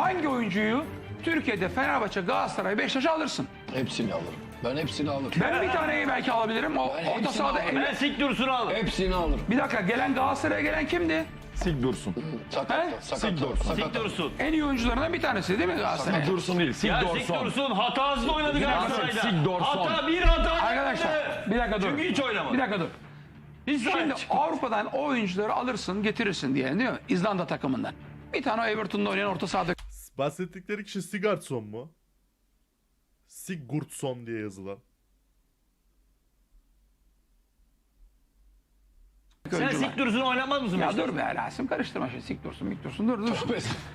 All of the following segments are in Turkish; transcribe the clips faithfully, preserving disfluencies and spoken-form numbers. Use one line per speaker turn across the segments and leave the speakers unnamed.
hangi oyuncuyu Türkiye'de Fenerbahçe, Galatasaray, Beşiktaş'a alırsın?
Hepsini alırım. Ben hepsini alırım.
Ben bir taneyi belki alabilirim. O
Ben
orta
hepsini
sahada
alırım.
en...
Ben Sik Dursun'u alırım.
Hepsini alırım.
Bir dakika, gelen Galatasaray'a gelen kimdi?
Sig Dursun.
Sakat,
He?
sakat,
Sik Dursun.
sakat.
Sik Dursun.
En iyi oyuncularından bir tanesi değil mi Galatasaray?
Sig Dursun değil. Sig
Ya Sik
Dorson.
Dursun hatasız oynadı Galatasaray'da.
Sik Dorson.
Hata bir hata.
Arkadaşlar
yaptı.
bir dakika dur.
Çünkü hiç oynamadı.
Bir dakika dur.
Hiç sahip
Şimdi
çıkmadı.
Avrupa'dan o oyuncuları alırsın getirirsin diye değil mi? İzlanda takımından. Bir tane o Everton'da oynayan orta sahada
Bahsettikleri kişi Sigurdsson mu? Sigurdsson diye yazılan.
Sen
oyuncular.
Sik Dursun'u oynamaz mısın?
Ya
Beşiktaş?
dur be Rasim, karıştırma şimdi. Sik dursun mik dursun dur dur.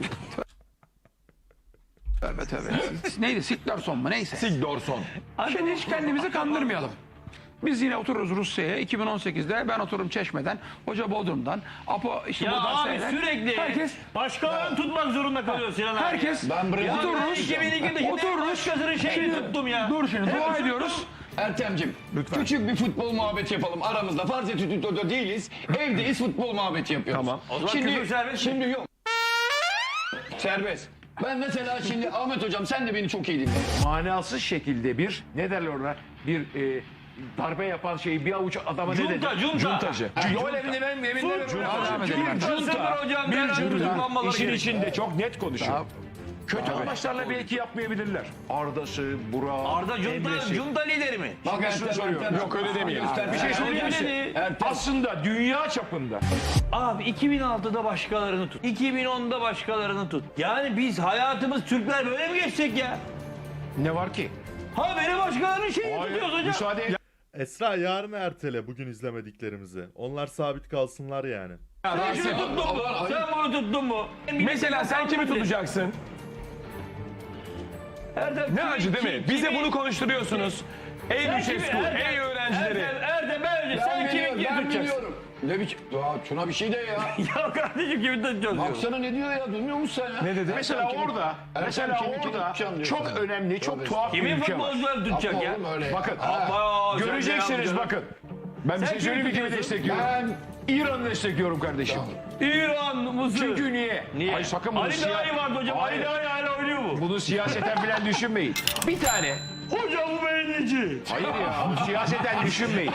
Tövbe tövbe. Neydi? Siklerson mu? Neyse.
Sig Dorson.
Şimdi hiç kendimizi kandırmayalım. Biz yine otururuz Rusya'ya iki bin on sekizde, ben otururum Çeşme'den, hoca Bodrum'dan, Apo işte
Ya
buradan
abi
seyreder.
sürekli
Herkes,
başkalarını tutmak zorunda kalıyor Sinan abi.
herkes
Ben Brezilya-
otururuz,
iki bin ikide şimdi
otururuz.
başkasının şeyini tuttum ya.
Dur şimdi dua ediyoruz.
Ertem'cim küçük bir futbol muhabbeti yapalım aramızda. Farz et stüdyoda değiliz. Evdeyiz, futbol muhabbeti yapıyoruz.
Tamam.
O zaman
Şimdi,
küfür serbest mi?
şimdi yok. Serbest. Ben mesela şimdi Ahmet hocam sen de beni çok iyi dinle.
Manasız şekilde bir ne derler ona bir e, darbe yapan şeyi bir avuç adama ne dedi?
Junta, junta.
Cuntacı.
Yol evinde benim evinde
Sus.
Devam edelim.
Bir junta. Hocam,
bir
beraber
junta
tutuklanmaları
işin
gerekiyor.
içinde çok net konuşuyor. Kötü amaçlarla belki yapmayabilirler. Arda'sı, Burak,
Arda junta,
Emre'si.
junta lideri mi?
Bak Ertem,
soruyorum.
Ertem.
Yok, öyle demeyelim.
Göster.
Bir şey söyleyeyim mi
Öyle
size?
dedi.
Ertem.
Aslında dünya çapında
Abi iki bin altıda başkalarını tut. iki bin onda başkalarını tut. Yani biz hayatımız Türkler böyle mi geçecek ya?
ne var ki?
Ha beni başkalarının şeyini
Hayır,
tutuyoruz hocam.
müsaade et.
Esra yarın ertele bugün izlemediklerimizi. Onlar sabit kalsınlar yani.
Sen şunu tuttun mu? Sen bunu tuttun mu?
Mesela sen kimi tutacaksın?
Erdem,
Ne
kimi-
acı değil mi?
kimi-
Bize
kimi-
bunu konuşturuyorsunuz. Ey
Sen
Lüçescu,
kimi- Erdem,
ey öğrencileri.
Erdem, Erdem ben önce
Ben
sen kimi
biliyorum,
kimi
ben
tutacaksın?
biliyorum. Ne biçim? Ya şuna bir şey de ya.
Ya kardeşim kimi tutacağız diyorum.
Baksana ne diyor ya, duymuyor musun sen ya?
Ne dedi?
Mesela
kimi-
orada,
Ertem
mesela
kimi- kimi
orada
tutacağım diyor
çok
sana.
önemli, çok
Tövbe
tuhaf bir
Kimin
ülke var.
futbolcuları tutacak
Yapma
ya?
oğlum öyle ya.
Bakın,
Aa, sen ne
göreceksiniz
yapacaksın?
bakın. Ben bir
Sen
şey söyleyeyim mi
kimi
kimi
tutuyorsun?
destekliyorum?
Ben
İran'ı destekliyorum kardeşim.
İran, Mısır.
Çünkü niye?
Niye?
Ay sakın bunu
Ali
siya-
Dahi vardı hocam.
Hayır.
Ali Dahi hala oynuyor mu?
Bunu siyaseten falan düşünmeyin. Bir tane.
Hocam bu beğenici.
Hayır ya. Siyaseten düşünmeyin.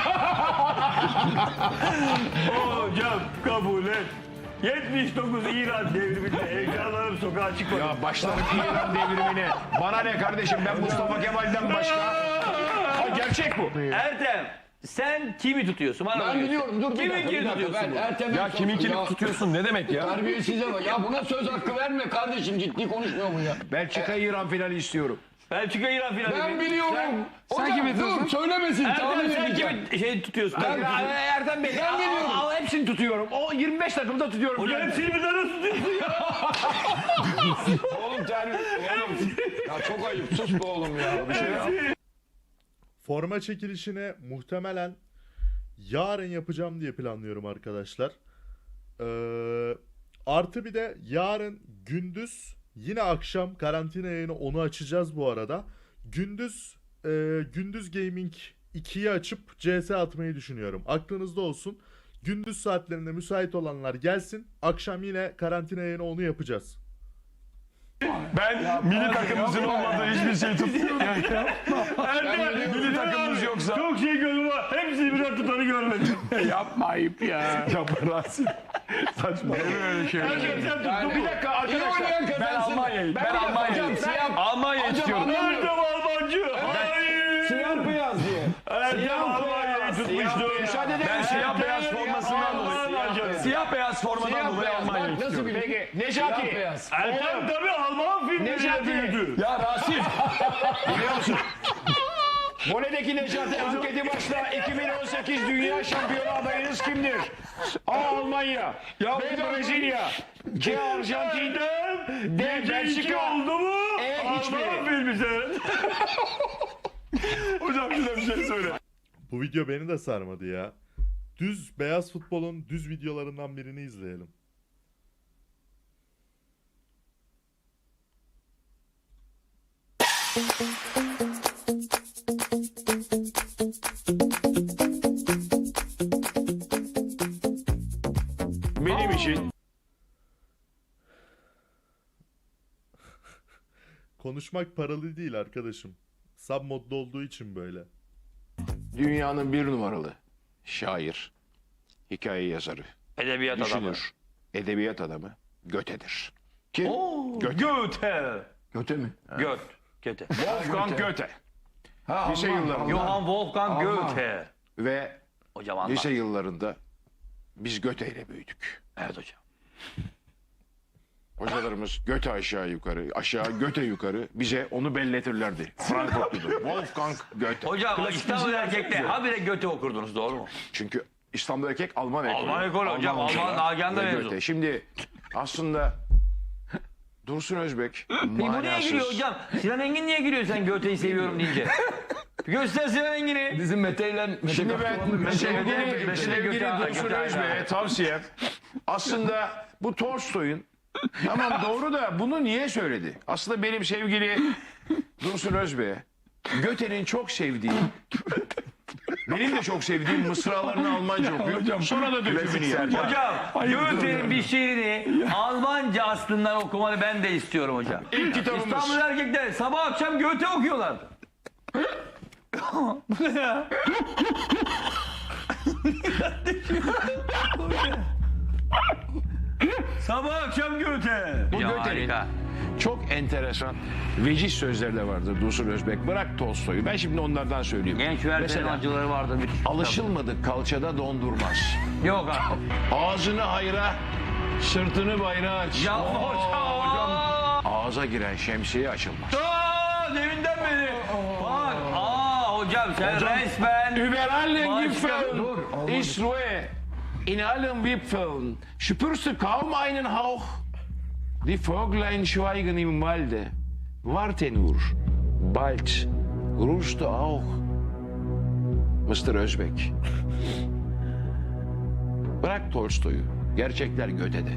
Hocam kabul et. yetmiş dokuz İran devriminde heyecanlarım sokağa çıkmadı.
Ya başlarım İran devrimine. Bana ne kardeşim, ben Mustafa Kemal'den başka. Ha, gerçek bu.
Ertem sen kimi tutuyorsun? Bana
ben
öyle
biliyorum, dur bir
Kimin
dakika, bir
kimi
dakika.
tutuyorsun?
Ben
burada?
Ertem'e
Ya kimi kimi
Ya,
tutuyorsun ne demek ya?
Terbiyesize bak. Ya buna söz hakkı verme kardeşim, ciddi konuşmuyor mu ya?
Belçika İran finali istiyorum.
Belçika İran finali.
Ben
mi?
biliyorum.
sen
Hocam,
kimi tutuyorsun?
dur söylemesin, tahmin
Ertem sen
edeceğim.
kimi şey tutuyorsun?
Ben-
Erdem Bey,
Ben biliyorum.
al, al, hepsini tutuyorum. O yirmi beş takımda tutuyorum.
Hocam hepsini birden nasıl tutuyorsun ya?
Oğlum terbiye. Oğlum. Ya çok ayıp, sus be oğlum ya. Bir şey ya.
Forma çekilişini muhtemelen yarın yapacağım diye planlıyorum arkadaşlar. Ee, artı bir de yarın gündüz yine akşam karantina yayını, onu açacağız bu arada. Gündüz e, gündüz gaming ikiyi açıp C S atmayı düşünüyorum. Aklınızda olsun. Gündüz saatlerinde müsait olanlar gelsin. Akşam yine karantina yayını, onu yapacağız.
Ben milli takımımızın olmadığı hiçbir şey tutmuyorum.
Ertem
Milli takımımız yoksa.
çok şey gördüm ama hepsini birden tutanı görmedim.
Yapma ayıp ya.
Yapma Rasim. Saçma. Öyle şey.
Ertem sen tuttun.
Bir dakika
İyi
arkadaşlar.
oynayan kazansın.
Ben Almanya'yı, ben Almanya'yı.
Hocam siyah.
Almanya
Hocam
istiyorum.
anlamıyorum.
Ertem Almancı. Hayır.
Siyah beyaz diye.
Ertem Almanya'yı tutmuştu.
Müsaade eder
Ben
misin?
siyah beyaz formasından dolayı. Siyah beyaz formadan
Siyah
dolayı
beyaz.
Almanya'yı
Bak nasıl
istiyorum.
bir
Peki
Siyah
Necati.
beyaz.
Ertem tabii Alman filmleriyle
Necati.
büyüdü.
Ya Rasim.
Biliyor musun? Vole'deki Necati anketi başla. iki bin on sekiz Dünya Şampiyonu adayınız kimdir? A. Almanya.
Ya
B. Brezilya. C. Arjantin. D.
İki
Belçika.
oldu mu?
E, hiçbiri.
Alman filmi sen.
Hocam şuna bir şey söyle.
Bu video beni de sarmadı ya. Düz beyaz futbolun düz videolarından birini izleyelim.
Benim için
Konuşmak paralı değil arkadaşım. Sub modda olduğu için böyle.
Dünyanın bir numaralı şair, hikaye yazarı,
Edebiyat adamı.
düşünür, edebiyat adamı Göte'dir. Kim?
Oo,
Göte.
Goethe.
Göte mi?
Göt. Goethe.
Wolfgang Göte.
Ha,
Lise
Alman,
yıllarında.
Alman.
Johann Wolfgang
Alman.
Goethe.
Ve
Hocam anlat.
lise yıllarında biz Göte ile büyüdük.
Evet hocam.
Hocalarımız Göte aşağı yukarı, aşağı Göte yukarı bize onu belletirlerdi. Frankfurtludur. Wolfgang Göte.
Hocam İstanbul erkekte habire Goethe okurdunuz doğru mu?
Çünkü İstanbul erkek Alman ekolü.
Alman ekolü hocam, Alman
hocalar
Nagihan'da
ve
mezun.
Göte. Şimdi aslında Dursun Özbek
Peki bu niye
manasız.
giriyor hocam? Sinan Engin niye giriyor sen Goethe'yi seviyorum deyince? Bir göster Sinan Engin'i.
Bizim Mete ile Mete
Şimdi ben sevgili,
Göte-
sevgili
Göte-
Dursun
Göte-
Özbek'e tavsiyem aslında bu Tolstoy'un tamam doğru da bunu niye söyledi? Aslında benim sevgili Dursun Özbek'e Göte'nin çok sevdiği benim de çok sevdiğim mısralarını Almanca okuyor. Sonra da dökümünü yapıyor.
Hocam Goethe'nin bir şiirini Almanca aslından okumanı ben de istiyorum hocam.
İlk kitabımız.
İstanbul erkekler sabah akşam Goethe okuyorlar. Bu ne ya? Sabah akşam Goethe.
Bu Göte'nin çok enteresan veciz sözleri de vardır Dursun Özbek. Bırak Tolstoy'u. Ben şimdi onlardan söyleyeyim.
Genç verdiğin
Mesela
acıları vardır. Bir
alışılmadık kalçada dondurmaz.
Yok abi.
Ağzını hayra, sırtını bayrağa aç.
Ya hocam.
Ağza giren şemsiye açılmaz.
Aa, deminden beri. Bak. Aa hocam sen resmen.
Über allen
Başka-
Gipfeln ist Ruhe. In allen Wipfeln spürst du kaum einen Hauch. Die Vöglein schweigen im Walde. Warte nur. Bald ruhst du auch. mister Özbek. Bırak Tolstoy'u. Gerçekler Göte'de.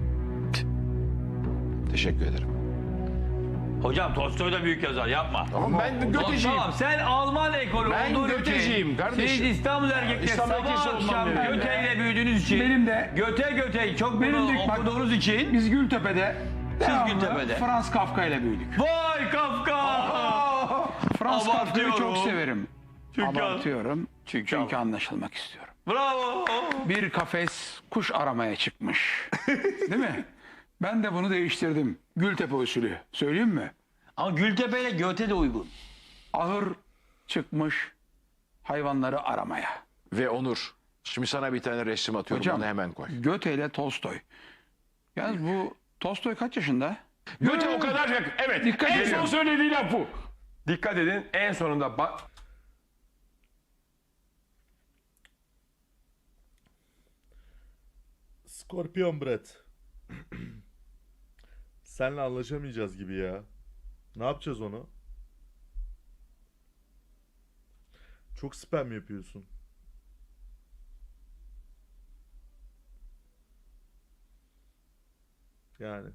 Teşekkür ederim.
Hocam Tolstoy da büyük yazar yapma.
Ama ben Göteciyim.
Tamam sen Alman ekolü
Ben
olduğun
Göteciyim
için,
kardeşim.
Siz İstanbul erkekler
İstanbul erkeği
sabah
olmam
akşam
yani.
Göte ile büyüdüğünüz için.
Benim de-
Göte Göte'yi çok
Benim
bunu
de- bak-
okuduğunuz için.
Biz Gültepe'de devamlı
Gültepe'de.
Frans Kafka ile büyüdük.
Vay Kafka!
Frans Kafka'yı
Abartıyorum.
çok severim.
Çünkü-
Abartıyorum.
Çünkü-
Çünkü anlaşılmak istiyorum.
Bravo!
Bir kafes kuş aramaya çıkmış. Değil mi? Ben de bunu değiştirdim. Gültepe usulü. Söyleyeyim mi?
Ama Gültepe ile Göte de uygun.
Ahır çıkmış hayvanları aramaya.
Ve Onur. Şimdi sana bir tane resim atıyorum.
Hocam,
Onu hemen koy.
Göte ile Tolstoy. Yalnız bu Tolstoy kaç yaşında?
Göte o kadar yakın. Evet.
Dikkat
en
edin.
son söylediği laf bu.
Dikkat edin en sonunda bak.
Scorpion Brett. Senle anlaşamayacağız gibi ya. Ne yapacağız onu? Çok spam yapıyorsun. Yani.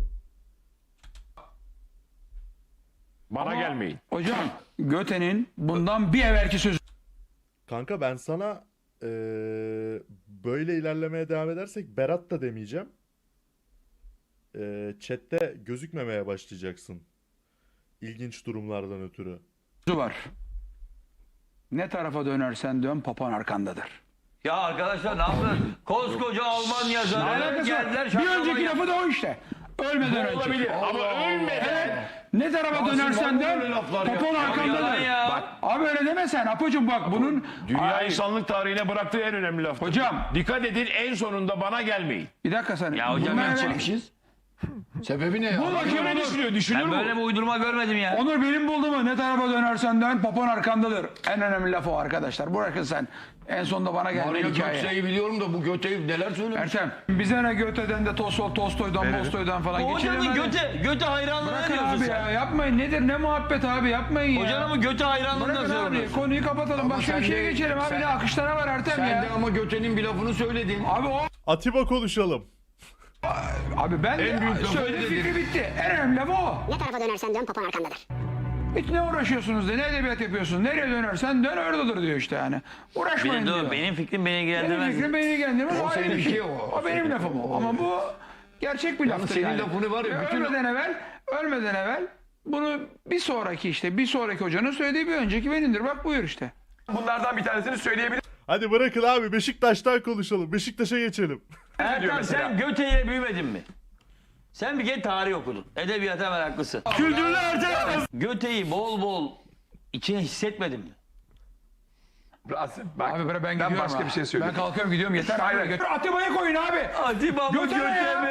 Bana gelmeyin.
Hocam Göte'nin bundan bir evvelki sözü
Kanka ben sana eee, böyle ilerlemeye devam edersek Berat da demeyeceğim. Eee chatte gözükmemeye başlayacaksın. İlginç durumlardan ötürü.
var. Ne tarafa dönersen dön papan arkandadır.
Ya arkadaşlar ne yaptın? Koskoca Alman
Ne
yazarı
alakası
geldiler.
var? Bir
şaklama
önceki
yap-
lafı da o işte. Ölmeden önce.
Olabilir ama ölmeden.
Ne tarafa dönersen dön papan
Yalan
arkandadır.
ya.
Bak, abi öyle deme sen Apocuğum bak bunun.
Dünya
Ay,
insanlık tarihine bıraktığı en önemli laf.
Hocam.
Dikkat edin en sonunda bana gelmeyin.
Bir dakika sen.
Ya hocam
Bundan
ben
evvel-
çekmişiz.
Sebebi ne ya?
Bu bakayım
Ne
Onur.
düşünüyor? Düşünür
Ben
mü?
böyle bir uydurma görmedim ya.
Onur benim bulduğumu ne tarafa dönersen dön papan arkandadır. En önemli laf o arkadaşlar. Bırakın sen. En sonunda bana gelme
Mario
hikaye.
Gökçe'yi biliyorum da bu Gökçe'yi neler söylemiş?
Ertem bize ne Göte'den de Tolstoy, Tolstoy'dan, Bolstoy'dan falan
O
geçelim.
Hocamın
hadi.
Göte, Göte hayranlığı
Bırakın
diyorsun
abi
sen.
ya yapmayın. Nedir ne muhabbet abi yapmayın ya.
Hocanın Göte hayranlığından
Bırakın abi
söylüyorsun.
konuyu kapatalım. Başka
sen
bir şeye
de-
geçelim abi.
sen-
Ne akışlara var Ertem
Sen
ya.
de ama Göte'nin bir lafını söyledin.
Abi o
Atiba konuşalım.
abi ben
En büyük
de
lafı
söyle
dedin.
fikri bitti. En önemli laf o.
Ne tarafa dönersen dön papan arkandadır.
Hiç ne uğraşıyorsunuz de ne edebiyat yapıyorsun. Nereye dönersen dön oradadır diyor işte yani. Uğraşmayın
Benim,
diyor.
dur, benim fikrim beni
Benim
ilgilendirmez.
fikrim beni ilgilendirmez. O ayrı bir
seninki
şey.
o.
O benim lafım o. Ama bu gerçek bir laftır
senin
yani.
lafını var ya,
Ve
bütün-
Ölmeden evvel, ölmeden evvel Bunu bir sonraki işte bir sonraki hocanın söylediği bir önceki benimdir. Bak buyur işte.
Bunlardan bir tanesini söyleyebilir
Hadi bırakın abi Beşiktaş'tan konuşalım. Beşiktaş'a geçelim.
Ertan sen Göte ile büyümedin mi? Sen bir kere tarih okudun. Edebiyata meraklısın. Kültürlü Ertan. Göte'yi bol bol içine hissetmedin mi?
Rasim bak.
Abi ben, ben
ben
gidiyorum
başka
ha.
bir şey söyleyeyim.
Ben kalkıyorum gidiyorum yeter.
Hayır,
Hayır,
hayır.
Atiba'yı koyun abi.
Atiba mı
Göte ne
Göte
ya?
mi?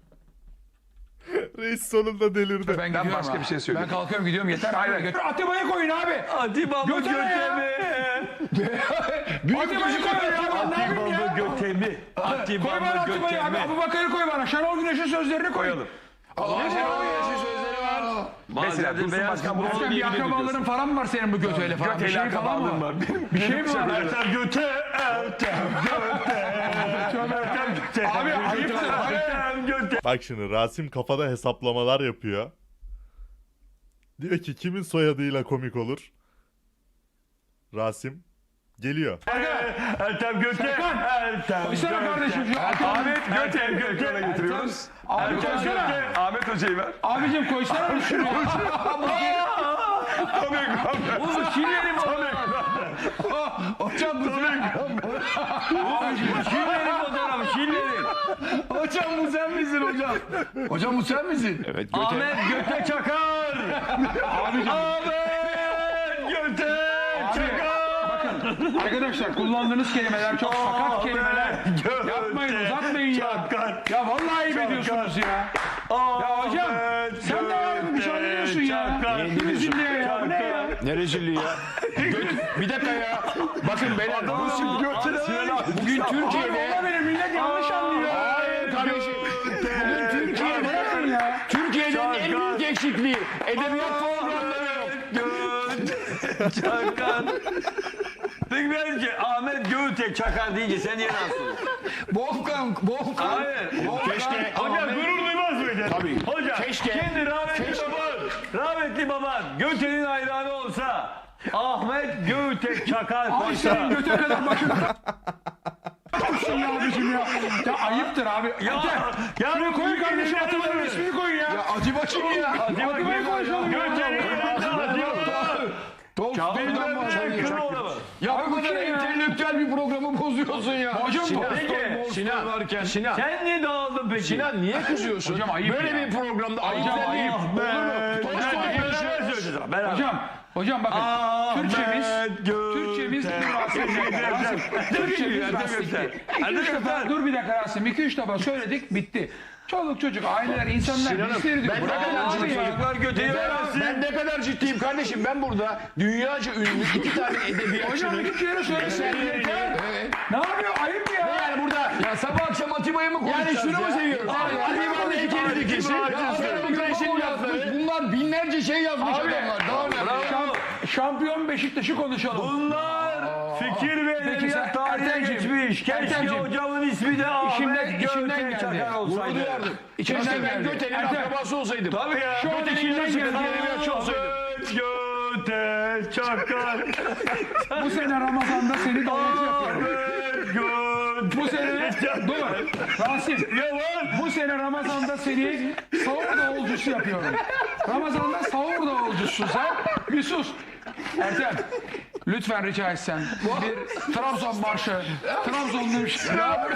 Reis sonunda delirdi.
Ben, gidiyorum
başka
ha.
bir şey söyleyeyim.
Ben kalkıyorum gidiyorum yeter.
Hayır,
Hayır,
hayır.
Atiba'yı koyun abi.
Atiba mı
Göte ne
Göte
ya?
mi?
Atiba'yı koyun ya. Ben ne yapayım
Atiba
ya?
mı Göte mi? Atiba
Koy
mı
bana Atiba'yı
Göte
abi.
mi?
Abu Bakar'ı koy bana. Şenol Güneş'in sözlerini koyalım.
Allah Şenol Güneş'in sözleri var. Mesela
Bazen de
Dursun
beyaz
Başkan bunu
futbol
Ertem bir
söyleyebilir mi
akrabaların falan mı var senin bu göteyle falan? Bir
Göteyle
şey falan mı
akrabalığım
var?
var. Benim,
Bir şey mi var?
Ertan Göte, Ertan Göte, Ertan Göte.
Abi ayıptır.
Ertan Göte.
Bak şimdi Rasim kafada hesaplamalar yapıyor. Diyor ki kimin soyadıyla komik olur? Rasim geliyor.
Ertan Göte, Ertan
Koysana kardeşim şu
Ahmet Göte Göte getiriyoruz.
Abi
Ertan
koysana.
Göte, Ahmet Hoca'yı ver.
Abicim koysana şunu.
Oğlum Şilerim
Hocam bu sen.
Şilerim fotoğrafı Şilerim.
Hocam bu sen misin hocam? Hocam bu sen misin?
Evet Göte.
Ahmet Göte Çakar.
Abicim.
Ahmet Göte Çakar.
Bakın arkadaşlar kullandığınız kelimeler çok sakat kelimeler. Yapmayın uzatmayın ya. Ya vallahi ayıp ediyorsunuz ya. Ya hocam sen de yarın bir şey anlıyorsun ya. Kimsin diye ya bu ne ya?
Ne rezilliği ya. Göt- bir dakika ya. Bakın beyler. Bu şimdi bugün
Abi
Türkiye'de.
olabilir millet yanlış anlıyor.
Hayır kardeşim. Bugün Türkiye'de.
Bırakın ya.
Türkiye'nin en büyük eksikliği. Edebiyat programları yok.
Çakar. Peki bence Ahmet Göte Çakar deyince sen niye rahatsız oluyorsun?
Volkan, Volkan.
Hayır.
Keşke.
Hocam gurur duymaz mıydın?
Tabii.
Hocam
Keşke.
kendi rahmetli
Keşke.
baban, rahmetli baban Göte'nin hayranı olsa Ahmet Göte Çakar
Ay
koysa.
senin göte kadar başına. Olsun ya abicim ya. Ya ayıptır abi.
Ya, ya
Şuraya koyun kardeşim Atiba'nın ismini koyun ya.
Acaba kim ya?
Atiba'yı konuşalım ya.
Göte'nin hayranı
Ya bu kadar entelektüel bir programı bozuyorsun ya.
Hocam bu.
Peki.
Sinan varken. Sinan.
Sen niye dağıldın peki?
Sinan niye kızıyorsun?
Hocam ayıp
Böyle
ya.
bir programda ayıp
Hocam
değil.
ayıp.
Olur mu? Tolstoy konuşuyor.
Hocam, hocam bakın. Türkçemiz, Türkçemiz Rasim. Rasim. Türkçemiz Rasim'di. İki üç defa, dur bir dakika Rasim. İki üç defa söyledik, bitti. Çoluk çocuk, aileler, insanlar
Sinan'ım,
isterdik.
ben ne
Bırakın
kadar
abi
ciddi
ya.
Çocuklar Göte'yi
Ben,
versin.
ben ne kadar ciddiyim kardeşim. Ben burada dünyaca ünlü iki tane
Hocam
edebiyatçının
iki kere söylesin yeter. Ne yapıyor? Ayıp ya.
yani burada
Ya sabah akşam Atiba'yı mı konuşacağız
yani şunu mu
ya?
seviyoruz? Atiba'nın heykelini dikişi. Sonra Güneş'in lafları.
Bunlar binlerce şey yazmış adamlar. Daha ne?
Bravo.
Şampiyon Beşiktaş'ı konuşalım.
Bunlar fikir ve
Peki sen-
edebiyat tarihine
Ertemciğim,
geçmiş. Keşke
Ertemciğim.
hocamın ismi de
İçimden,
Ahmet
içimden
Göte
geldi.
Çakar olsaydı.
Duyardım.
İçimden
Keşke ben
geldi.
Göte'nin
Ertem.
akrabası olsaydım.
Tabii ya.
Şu an
Göte'nin
içimden
yarısı
geldi.
kadar edebiyatçı olsaydım.
Ahmet Göte Çakar.
Bu sene Ramazan'da seni davulcu yapıyorum.
Ahmet Göte.
Bu sene, dur Rasim. Bu sene Ramazan'da seni sahur davulcusu yapıyorum. Ramazan'da sahur davulcusun sen. Bir sus. Ertem. Lütfen rica etsem. Bir Trabzon marşı. Trabzonlu bir şey. Ya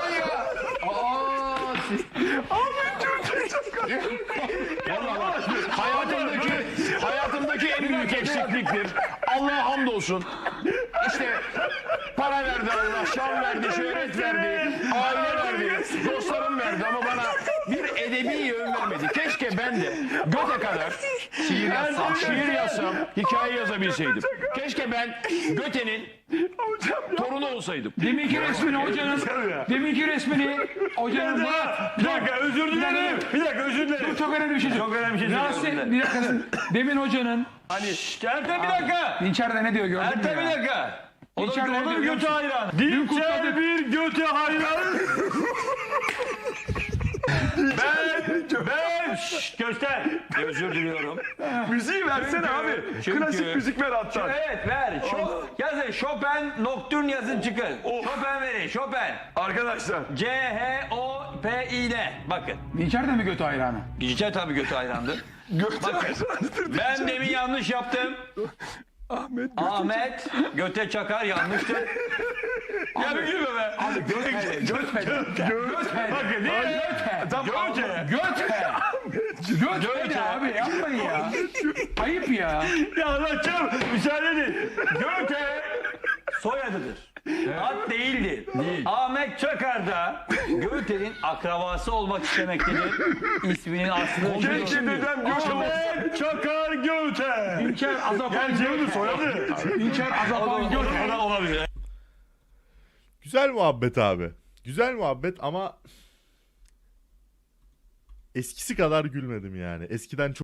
Hayatımdaki hayatımdaki en büyük eksikliktir. Allah'a hamdolsun. İşte para verdi Allah, şan verdi, şöhret verdi, aile verdi, dostlarım verdi ama bana bir edebi yön vermedi. Keşke ben de Göte kadar şiir yazsam, şiir yazsam, hikaye yazabilseydim. Keşke ben Göte'nin torunu olsaydım.
deminki resmini hocanın, deminki resmini hocanın
Bir dakika özür dilerim. Bir dakika özür dilerim.
çok önemli bir şey.
Çok önemli bir şey söylüyorum.
Rasim, bir dakika. Demin hocanın,
Şşt, Ertem bir dakika.
Dinçer de ne diyor gördün mü
Ertem bir
ya?
dakika. O da,
Dinçer
o
ne
da
diyor
bir
biliyor
göte
musun?
hayran.
Dün
Dinçer
kutladık.
bir göte hayran. Ben, ben, şşş, göster. Özür diliyorum.
Müziği versene
Çünkü-
abi.
çünkü-
Klasik müzik ver hatta.
Evet ver. Şo, yazın Chopin Nocturne yazın çıkın. Chopin verin. Chopin.
Arkadaşlar.
C H O P I N. Bakın.
Dinçer de mi götü hayranı?
Gideceğim tabii götü hayrandı.
Gökçe
Ben demin yanlış yaptım.
Ahmet.
Ahmet göte çakar yanlıştır. Ya bir gülme be.
Abi göt he. Göt he. Göt he.
Bakın değil mi?
Göt he.
Göte.
Göt he. Göt he abi yapmayın ya. Ayıp ya.
Ya anlatacağım. Müsaade edin. Göte soyadıdır. Ad değildir. Ahmet Çakar da Göte'nin akrabası olmak istemektedir. İsminin aslında
Keşke dedem Gökçe.
Ahmet Çakar Göte.
İlker Azapan Göt soyadı. İlker Azapan Göt.
O da olabilir.
Güzel muhabbet abi. Güzel muhabbet ama eskisi kadar gülmedim yani. Eskiden çok